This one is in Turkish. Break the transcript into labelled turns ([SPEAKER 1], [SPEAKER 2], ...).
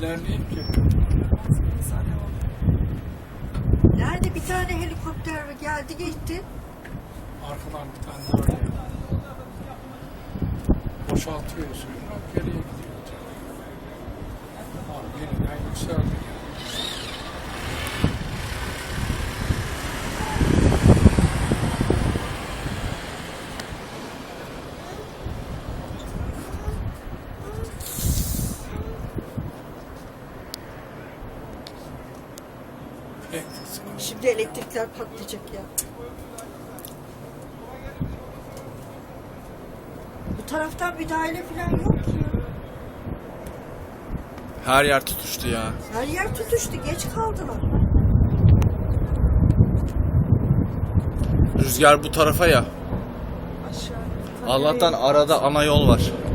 [SPEAKER 1] ilerleyeyim ki.
[SPEAKER 2] Nerede bir tane helikopter geldi geçti.
[SPEAKER 1] Arkadan bir tane daha geliyor. Boşaltıyor suyunu, geriye gidiyor. Abi yeniden yükseldi.
[SPEAKER 2] Şimdi elektrikler patlayacak ya. Bu taraftan müdahale falan yok ki.
[SPEAKER 3] Her yer tutuştu ya.
[SPEAKER 2] Her yer tutuştu, geç kaldılar.
[SPEAKER 3] Rüzgar bu tarafa ya.
[SPEAKER 2] Aşağı.
[SPEAKER 3] Allah'tan arada ana yol var.